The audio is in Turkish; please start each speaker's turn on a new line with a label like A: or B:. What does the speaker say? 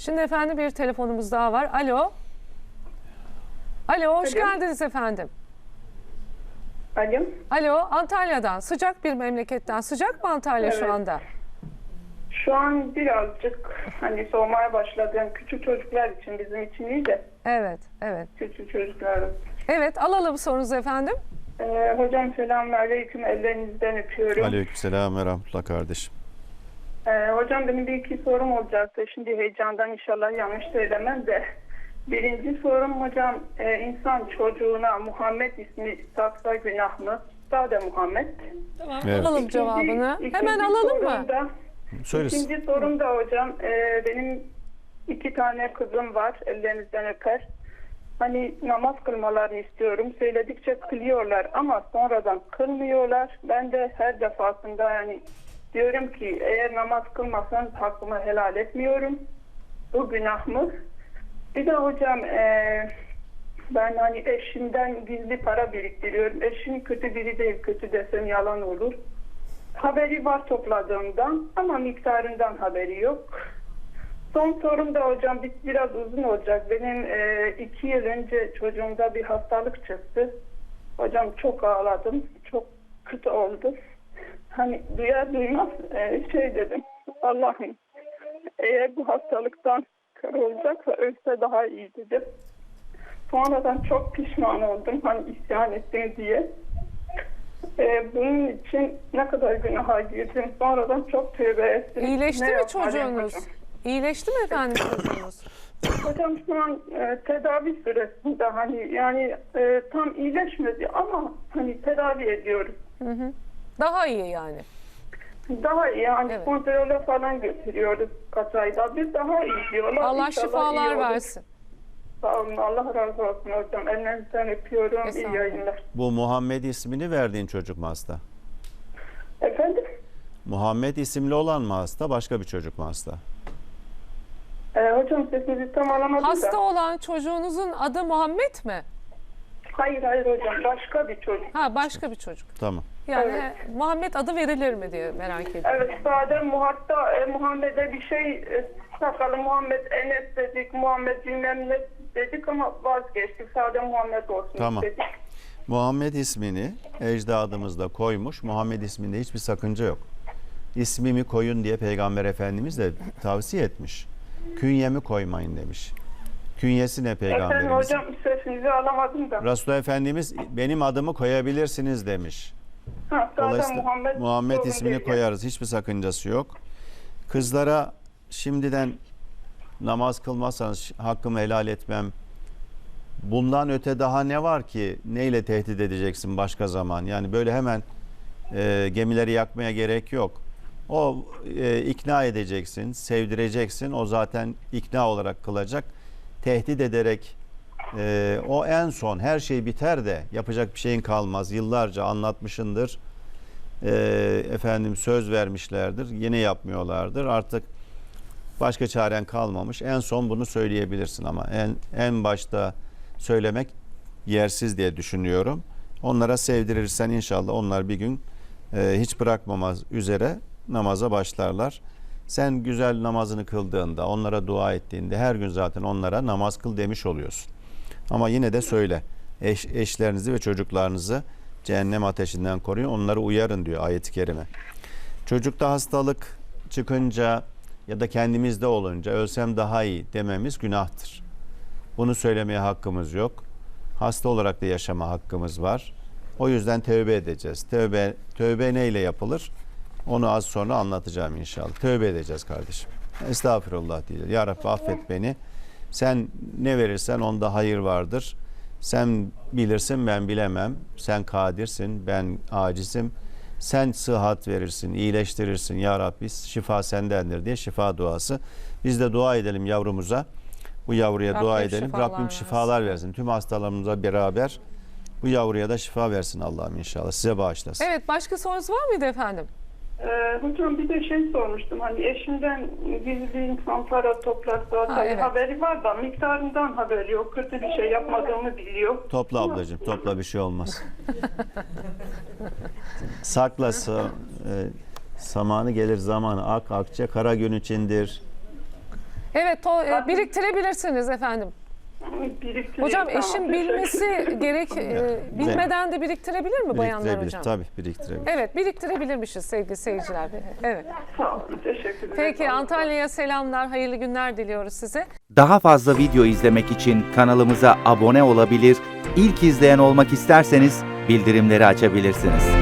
A: Şimdi efendim bir telefonumuz daha var. Alo. Alo, hoş geldiniz efendim.
B: Alo.
A: Alo, Antalya'dan, sıcak bir memleketten. Sıcak mı Antalya şu
B: Evet.
A: anda?
B: Şu an birazcık hani soğumaya başladı. Yani küçük çocuklar için, bizim için iyi de
A: Evet, evet.
B: küçük çocukların.
A: Evet, alalım sorunuzu efendim.
B: Hocam selamünaleyküm, ellerinizden öpüyorum.
C: Aleykümselam ve rahmetullah kardeşim.
B: Hocam benim bir iki sorum olacaktı. Şimdi heyecandan inşallah yanlış söylemem de. Birinci sorum hocam, insan çocuğuna Muhammed ismi taksa günah mı? Sade Muhammed.
A: Tamam,
C: Evet.
A: alalım cevabını. Hemen alalım mı?
C: Söylesin.
B: İkinci sorum da hocam, benim 2 tane kızım var, ellerinizden öper. Hani namaz kılmalarını istiyorum. Söyledikçe kılıyorlar ama sonradan kılmıyorlar. Ben de her defasında yani diyorum ki eğer namaz kılmasanız hakkımı helal etmiyorum. Bu günah mı? Bir de hocam ben hani eşimden gizli para biriktiriyorum. Eşim kötü biri değil, kötü desem yalan olur. Haberi var topladığımdan ama miktarından haberi yok. Son sorum da hocam biraz uzun olacak. Benim 2 yıl önce çocuğumda bir hastalık çıktı. Hocam çok ağladım. Çok kötü oldu. Hani duyar duymaz şey dedim. Allah'ım eğer bu hastalıktan kör olacaksa ölse daha iyi dedim. Sonradan çok pişman oldum. Hani isyan ettim diye. Bunun için ne kadar günaha girdim. Sonradan çok tövbe ettim.
A: İyileşti
B: Ne
A: mi
B: yapmalıyım
A: çocuğunuz?
B: hocam?
A: İyileşti mi efendim çocuğunuz?
B: Hocam şu an tedavi süresinde hani yani tam iyileşmedi ama hani tedavi ediyoruz.
A: Daha iyi yani.
B: Daha iyi yani
A: Evet.
B: kontrole falan götürüyoruz kaç ayda. Biz daha iyi diyorlar.
A: Allah
B: İnşallah iyi
A: şifalar
B: olur.
A: versin.
B: Sağ olun. Allah razı olsun hocam. Ellerinizden öpüyorum. İyi
A: Estağfurullah.
B: yayınlar.
C: Bu Muhammed ismini verdiğin çocuk mu hasta?
B: Efendim?
C: Muhammed isimli olan mı hasta, başka bir çocuk mu hasta?
B: Hocam sesinizi tam alamadım
A: Hasta
B: da.
A: olan çocuğunuzun adı Muhammed mi?
B: Hayır hocam. Başka bir çocuk.
A: Ha, başka bir çocuk.
C: Tamam.
A: Yani
B: Evet.
A: Muhammed adı verilir mi diye merak ediyorum.
B: Evet, sadece hatta Muhammed'e bir şey sakalı Muhammed Enes dedik, Muhammed bilmem ne dedik ama vazgeçtik. Sadece Muhammed olsun
C: Tamam.
B: dedik.
C: Muhammed ismini ecdadımız da koymuş. Muhammed isminde hiçbir sakınca yok. İsmimi koyun diye Peygamber Efendimiz de tavsiye etmiş. Künyemi koymayın demiş. Künyesi ne
B: Efendim
C: Peygamberimizin?
B: hocam sesinizi alamadım da.
C: Resulullah Efendimiz benim adımı koyabilirsiniz demiş.
B: Ha, sadece
C: Dolayısıyla Muhammed
B: sorun
C: ismini
B: değil.
C: koyarız. Hiçbir sakıncası yok. Kızlara şimdiden namaz kılmazsanız hakkımı helal etmem. Bundan öte daha ne var ki? Neyle tehdit edeceksin başka zaman? Yani böyle hemen gemileri yakmaya gerek yok. O ikna edeceksin, sevdireceksin. O zaten ikna olarak kılacak. Tehdit ederek o en son her şey biter de yapacak bir şeyin kalmaz. Yıllarca anlatmışındır. Efendim söz vermişlerdir. Yine yapmıyorlardır. Artık başka çaren kalmamış. En son bunu söyleyebilirsin ama en başta söylemek yersiz diye düşünüyorum. Onlara sevdirirsen inşallah onlar bir gün hiç bırakmamaz üzere namaza başlarlar. Sen güzel namazını kıldığında, onlara dua ettiğinde her gün zaten onlara namaz kıl demiş oluyorsun. Ama yine de söyle. Eşlerinizi ve çocuklarınızı cehennem ateşinden koruyun. Onları uyarın diyor ayet-i kerime. Çocukta hastalık çıkınca ya da kendimizde olunca ölsem daha iyi dememiz günahtır. Bunu söylemeye hakkımız yok. Hasta olarak da yaşama hakkımız var. O yüzden tövbe edeceğiz. Tövbe neyle yapılır? Onu az sonra anlatacağım inşallah. Tövbe edeceğiz kardeşim. Estağfirullah diyeceğiz. Ya Rabbi affet beni. Sen ne verirsen onda hayır vardır. Sen bilirsin, ben bilemem. Sen kadirsin, ben acizim. Sen sıhhat verirsin, iyileştirirsin. Ya Rabbi şifa sendendir diye şifa duası. Biz de dua edelim yavrumuza. Bu yavruya
A: Rabbim
C: dua edelim.
A: şifalar
C: Rabbim
A: versin.
C: şifalar versin. Tüm hastalarımıza beraber bu yavruya da şifa versin Allah'ım inşallah. Size bağışlasın.
A: Evet, başka sorunuz var mıydı efendim?
B: Hocam bir de şey sormuştum. Hani eşimden gizli insan para toplarsa
A: evet.
B: haberi var da miktarından haberi yok. Kötü bir şey yapmadığımı biliyor.
C: Topla ablacığım, topla bir şey olmaz. Saklası, zamanı gelir zamanı. Ak akçe kara gün içindir.
A: Evet, biriktirebilirsiniz efendim.
B: Biriktireyim,
A: Hocam
B: tamam,
A: eşin
B: teşekkür
A: bilmesi gerek, bilmeden de biriktirebilir mi bayanlar
C: Biriktirebilir.
A: hocam?
C: Tabii biriktirebilir.
A: Evet, biriktirebilirmişiz sevgili seyirciler. Evet.
B: Sağ olun, teşekkür ederim.
A: Peki Antalya'ya selamlar, hayırlı günler diliyoruz size.
D: Daha fazla video izlemek için kanalımıza abone olabilir, ilk izleyen olmak isterseniz bildirimleri açabilirsiniz.